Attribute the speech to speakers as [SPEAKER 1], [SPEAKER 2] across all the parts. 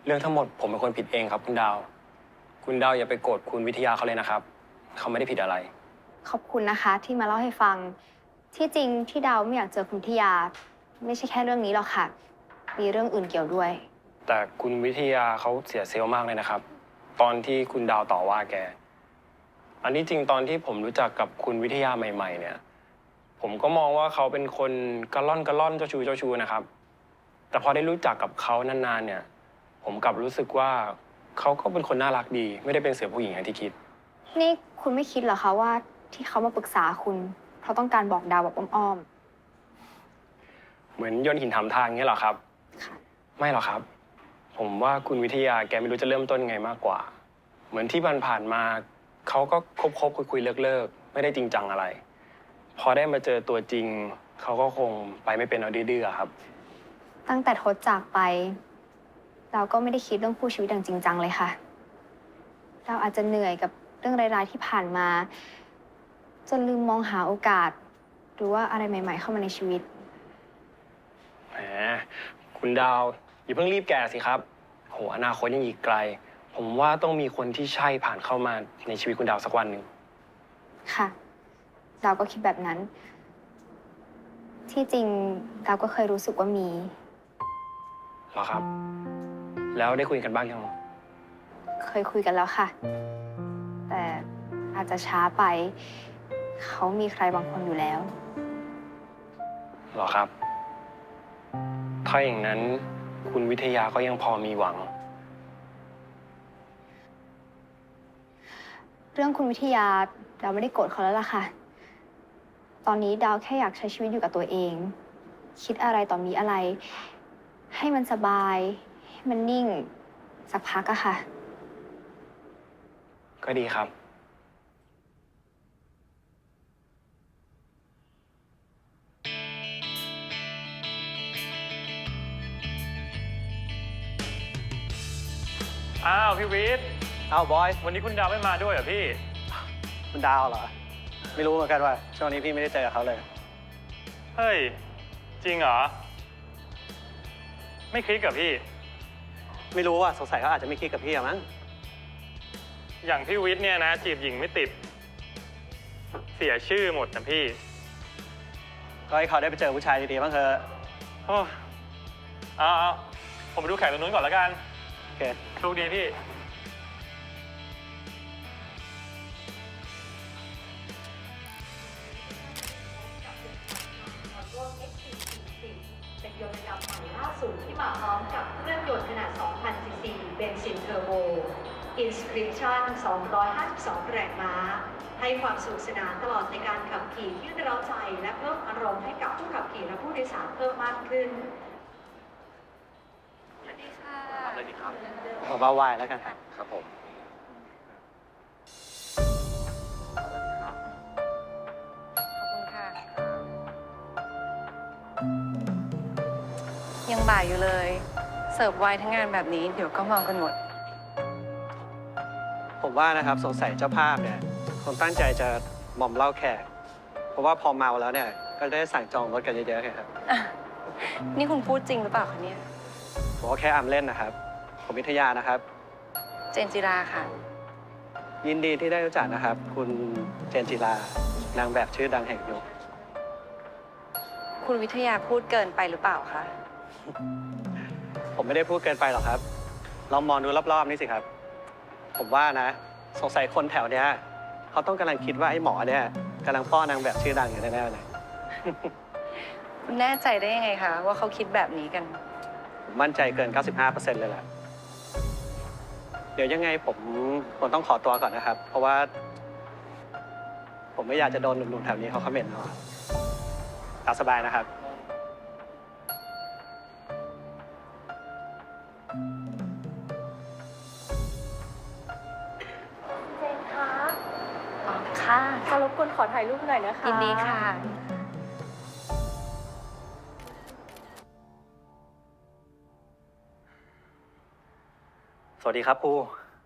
[SPEAKER 1] เรื่องทั้งหมดผมเป็นคนผิดเองครับคุณดาว คุณดาวอย่าไปโกรธคุณวิทยาเขาเลยนะครับ เขาไม่ได้ผิดอะไร
[SPEAKER 2] ขอบคุณนะคะที่มาเล่าให้ฟัง ที่จริงที่ดาวไม่อยากเจอคุณวิทยา ไม่ใช่แค่เรื่องนี้หรอกค่ะ มีเรื่องอื่นเกี่ยวด้วย
[SPEAKER 1] แต่คุณวิทยาเขาเสียเซลล์มากเลยนะครับ ตอนที่คุณดาวต่อว่าแก อันนี้จริงตอนที่ผมรู้จักกับคุณวิทยาใหม่ๆเนี่ย ผมก็มองว่าเขาเป็นคนกระล่อนเจ้าชู้นะครับ แต่พอได้รู้จักกับเขานานๆเนี่ย ผมกลับรู้สึกว่าเขาก็เป็นคนน่ารักดี ไม่ได้เป็นเสือผู้หญิงอย่างที่คิด
[SPEAKER 2] นี่คุณไม่คิดเหรอคะว่าที่เขามาปรึกษาคุณเพราะต้องการบอกดาวแบบอ้อม
[SPEAKER 1] เหมือนโยนหินถามทางเงี้ยเหรอครับ
[SPEAKER 2] ๆค่ะ
[SPEAKER 1] ไม่หรอกครับ ผมว่าคุณวิทยาแกไม่รู้จะเริ่มต้นยังไงมากกว่า เหมือนที่ผ่านๆมาเขาก็คบคุยเลิกไม่ได้จริงจังอะไร พอได้มาเจอตัวจริงเขาก็คงไปไม่เป็นเอาดื้อๆครับ
[SPEAKER 2] ตั้งแต่ทศจากไปดาวก็ไม่ได้คิดเรื่องคู่ชีวิตอย่างจริงจังเลยค่ะดาวอาจจะเหนื่อยกับเรื่องร้ายๆที่ผ่านมา จนลืมมองหาโอกาส หรือว่าอะไรใหม่ๆเข้ามาในชีวิต
[SPEAKER 1] แหมคุณดาวอย่าเพิ่งรีบแก่สิครับโหอนาคตยังอีกไกล ผมว่าต้องมีคนที่ใช่ผ่านเข้ามาในชีวิตคุณดาวสักวันหนึ่ง
[SPEAKER 2] ค่ะ ดาวก็คิดแบบนั้น ที่จริงดาวก็เคยรู้สึกว่ามี
[SPEAKER 1] เหรอครับ แล้วได้คุยกันบ้างยัง
[SPEAKER 2] เคยคุยกันแล้วค่ะ แต่อาจจะช้าไป เขามีใครบางคนอยู่แล้ว
[SPEAKER 1] เหรอครับ ถ้าอย่างนั้นคุณวิทยาก็ยังพอมีหวัง
[SPEAKER 2] เรื่องคุณวิทยาดาวไม่ได้โกรธเขาแล้วล่ะค่ะ ตอนนี้ดาวแค่อยากใช้ชีวิตอยู่กับตัวเอง คิดอะไรต่อมีอะไร ให้มันสบาย ให้มันนิ่ง สักพักอะค่ะ
[SPEAKER 1] ก็ดีครับ
[SPEAKER 3] อ้าวพี่วิทย์
[SPEAKER 4] เอาบอย
[SPEAKER 3] วันนี้คุณดาวไม่มาด้วยเหรอพี่
[SPEAKER 4] คุณดาวเหรอ ไม่รู้เหมือนกันว่าช่วงนี้พี่ไม่ได้เจอเขาเลย
[SPEAKER 3] เฮ้ย จริงเหรอ ไม่คลิกกับพี่
[SPEAKER 4] ไม่รู้ว่าสงสัยเขาอาจจะไม่คิดกับพี่อะมั้ง
[SPEAKER 3] อย่างพี่วิทย์เนี่ยนะ จีบหญิงไม่ติด เสียชื่อหมดนะพี่
[SPEAKER 4] ก็ให้เขาได้ไปเจอผู้ชายดีๆบ้างเถอะ
[SPEAKER 3] โอ้เอาผมไปดูแขกตรงนู้นก่อนแล้วกัน
[SPEAKER 4] โอเค
[SPEAKER 3] โชคดีพี่
[SPEAKER 5] เป็นยนต์ระดับใหม่ล่าสุดที่มาพร้อมกับเครื่องยนต์ขนาด 2,000 ซีซี เบนซินเทอร์โบ Inscription 252 แรงม้า ให้ความสนุกสนานตลอดในการขับขี่ที่เร้าใจและเพิ่มอารมณ์ให้กับผู้ขับขี่และผู้โดยสารเพิ่มมากขึ้น
[SPEAKER 2] สวัสดีค่ะ
[SPEAKER 4] เอาเบาไหวแล้วกัน
[SPEAKER 1] ครับผม
[SPEAKER 6] ขอบคุณค่ะ ยังบ่ายอยู่เลย เสิร์ฟไวน์ทั้งงานแบบนี้เดี๋ยวก็เมากันหมด
[SPEAKER 4] ผมว่านะครับสงสัยเจ้าภาพเนี่ยคงตั้งใจจะหม่อมเหล้าแขก เพราะว่าพอเมาแล้วเนี่ยก็ได้สั่งจองรถกันเยอะๆไงครับ
[SPEAKER 6] อ่ะ นี่คุณพูดจริงหรือเปล่าคะเนี่ย
[SPEAKER 4] ผมก็แค่อำเล่นนะครับ ผมวิทยานะครับ
[SPEAKER 6] เจนจิราค่ะ
[SPEAKER 4] ยินดีที่ได้รู้จักนะครับ คุณเจนจิรานางแบบชื่อดังแห่งยุค
[SPEAKER 6] คุณวิทยาพูดเกินไปหรือเปล่าคะ
[SPEAKER 4] ผมไม่ได้พูดเกินไปหรอกครับ ลองมองดูรอบๆนี่สิครับ ผมว่านะ สงสัยคนแถวเนี้ยเขาต้องกำลังคิดว่าไอ้หมอเนี่ยกำลังป้อนนางแบบชื่อดังอยู่แน่ๆเลย
[SPEAKER 6] คุณแน่ใจได้ยังไงคะว่าเขาคิดแบบนี้กัน
[SPEAKER 4] ผมมั่นใจเกิน 95% เลยแหละ เดี๋ยวยังไงผมต้องขอตัวก่อนนะครับ เพราะว่า ผมไม่อยากจะโดนหนุ่มๆแถวนี้เขาคอมเมนต์เอาครับตามสบายนะครับ
[SPEAKER 5] เจนคะ
[SPEAKER 6] อ๋อ ค่ะ
[SPEAKER 5] ขอรบกวนขอถ่ายรูปหน่อยนะคะ
[SPEAKER 6] ยินดีค่ะ
[SPEAKER 7] สวัสดีครับครู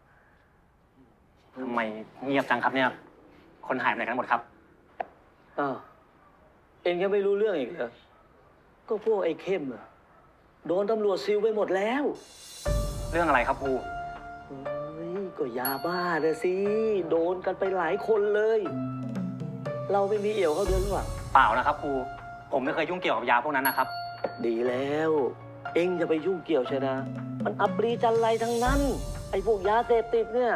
[SPEAKER 7] ทำไมเงียบจังครับเนี่ย คนหายไปไหนกันหมดครับ
[SPEAKER 8] อ้าวเองยังไม่รู้เรื่องอีกเหรอก็พวกไอ้เข้มอะโดนตำรวจซิลไปหมดแล้ว
[SPEAKER 7] เรื่องอะไรครับครู
[SPEAKER 8] เฮ้ย ก็ยาบ้าน่ะสิ โดนกันไปหลายคนเลย เราไม่มีเอี่ยวเขาเดินหรือเปล่า
[SPEAKER 7] เปล่านะครับครู ผมไม่เคยยุ่งเกี่ยวกับยาพวกนั้นนะครับ
[SPEAKER 8] ดีแล้ว เอ็งจะไปยุ่งเกี่ยวใช่นะ มันอัปรีจันไรทั้งนั้น ไอ้พวกยาเสพติดเนี่ย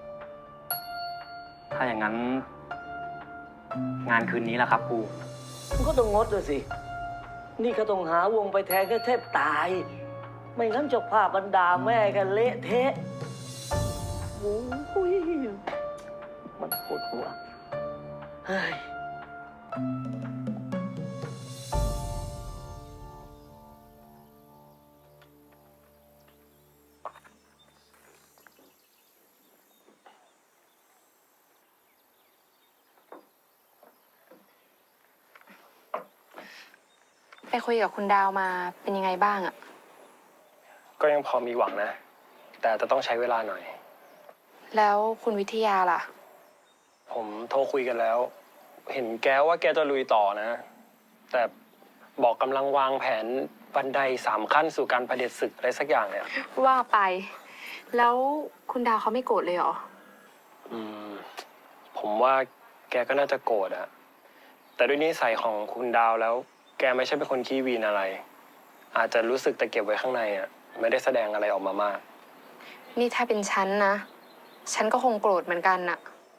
[SPEAKER 7] ถ้าอย่างนั้น งานคืนนี้ล่ะครับครู
[SPEAKER 8] มันก็ต้องงดเลยสิ นี่ก็ต้องหาวงไปแทนก็แทบตาย ไม่งั้นเจ้าภาพบรรดาแม่กันเละเทะโอ้ยมันปวดหัว เฮ้ย
[SPEAKER 6] ไปคุยกับคุณดาวมาเป็นยังไงบ้างอะ
[SPEAKER 1] ก็ยังพอมีหวังนะ แต่จะต้องใช้เวลาหน่อย
[SPEAKER 6] แล้วคุณวิทยาล่ะ
[SPEAKER 1] ผมโทรคุยกันแล้ว เห็นแกว่าแกจะลุยต่อนะ แต่บอกกำลังวางแผนบันได3 ขั้นสู่การเผด็จศึกอะไรสักอย่างเนี่ย
[SPEAKER 6] ว่าไป แล้วคุณดาวเขาไม่โกรธเลยเหรอ
[SPEAKER 1] ผมว่าแกก็น่าจะโกรธอะแต่ด้วยนิสัยของคุณดาวแล้ว แกไม่ใช่เป็นคนขี้วีนอะไร อาจจะรู้สึกแต่เก็บไว้ข้างในอะไม่ได้แสดงอะไรออกมามาก
[SPEAKER 6] นี่ถ้าเป็นฉันนะ ฉันก็คงโกรธเหมือนกันน่ะ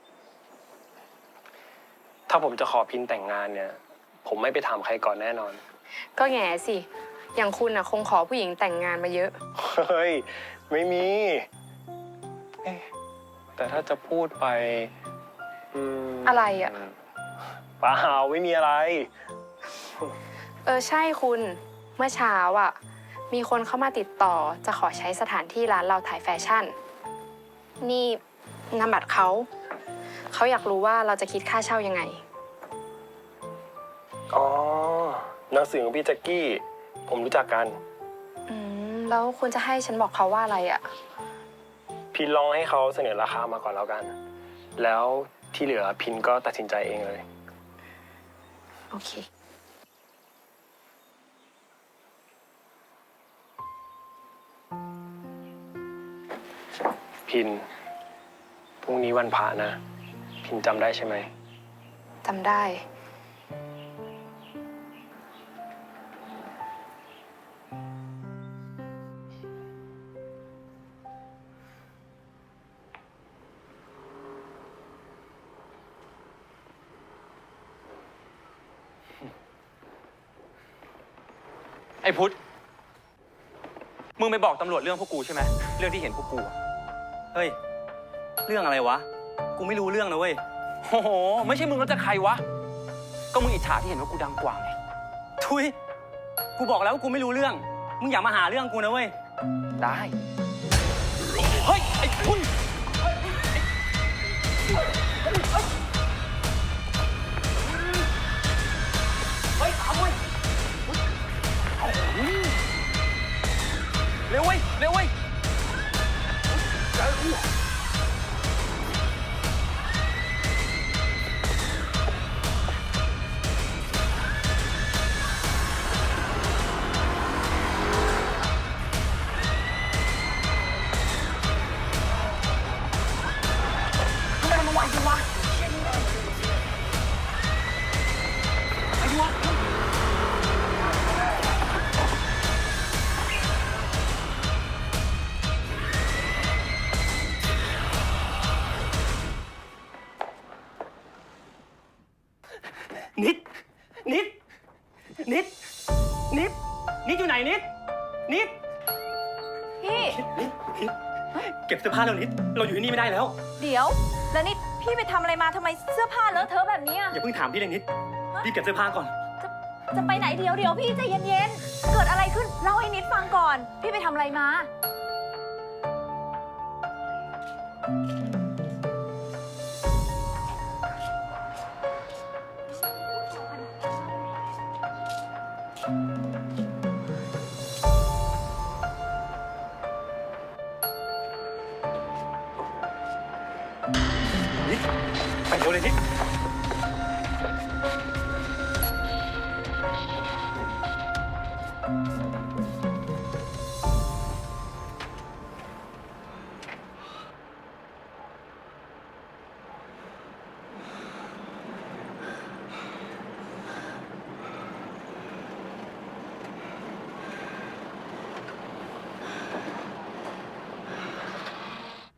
[SPEAKER 1] ถ้าผมจะขอพินแต่งงานเนี่ย ผมไม่ไปถามใครก่อนแน่นอน
[SPEAKER 6] ก็แง่สิ อย่างคุณน่ะคงขอผู้หญิงแต่งงานมาเยอะ
[SPEAKER 1] เฮ้ย ไม่มีเอ๊ะแต่ถ้าจะพูดไป
[SPEAKER 6] อะไรอะ
[SPEAKER 1] เปล่าไม่มีอะไร
[SPEAKER 6] ใช่คุณ เมื่อเช้าอ่ะ มีคนเข้ามาติดต่อจะขอใช้สถานที่ร้านเราถ่ายแฟชั่น นี่นามบัตรเขา เขาอยากรู้ว่าเราจะคิดค่าเช่ายังไง
[SPEAKER 1] อ๋อหนังสือของพี่แจ็คกี้ ผมรู้จักกัน
[SPEAKER 6] แล้วคุณจะให้ฉันบอกเขาว่าอะไรอ่ะ
[SPEAKER 1] พินลองให้เขาเสนอราคามาก่อนแล้วกัน แล้วที่เหลือพินก็ตัดสินใจเองเลย
[SPEAKER 6] โอเค
[SPEAKER 1] พิน พรุ่งนี้วันพระนะ พินจำได้ใช่ไหม
[SPEAKER 6] จำได้
[SPEAKER 9] ไอ้พุทธ มึงไปบอกตำรวจเรื่องพวกกูใช่ไหม เรื่องที่เห็นพวกกูอะ
[SPEAKER 7] เฮ้ย เรื่องอะไรวะ กูไม่รู้เรื่องนะเว้ย
[SPEAKER 9] โอ้โห ไม่ใช่มึงแล้วจะใครวะ ก็มึงอิจฉาที่เห็นว่ากูดังกว่าไง
[SPEAKER 7] ทุย กูบอกแล้วว่ากูไม่รู้เรื่อง มึงอย่ามาหาเรื่องกูนะเว้ย
[SPEAKER 9] ได้ เฮ้ย ไอ้พุทธ เร็วเว้ย เร็วเว้ย ทำไมมันไวจังวะไอ้วะ
[SPEAKER 7] นิด นิด นิด นิด นิดอยู่ไหนนิด นิด
[SPEAKER 10] พี่
[SPEAKER 7] นิด นิด เก็บเสื้อผ้าแล้วนิด เราอยู่ที่นี่ไม่ได้แล้ว
[SPEAKER 10] เดี๋ยว แล้วนี่พี่ไปทำอะไรมาทำไมเสื้อผ้าเลอะเทอะแบบนี้อะ
[SPEAKER 7] อย่าเพิ่งถามพี่เลยนิด รีบเก็บเสื้อผ้าก่อน
[SPEAKER 10] จะไปไหนเดี๋ยวพี่ใจเย็นๆ เกิดอะไรขึ้นเล่าให้นิดฟังก่อน พี่ไปทำอะไรมา
[SPEAKER 7] นิด ไปเร็วเลยนิด
[SPEAKER 6] น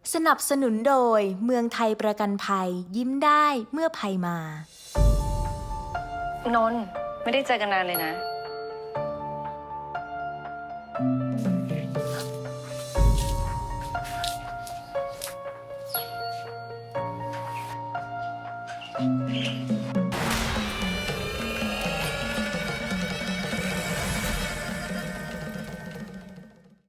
[SPEAKER 11] สนับสนุนโดยเมืองไทยประกันภัยยิ้มได้เมื่อภัยมา
[SPEAKER 6] นนท์ไม่ได้เจอกันนานเลยนะ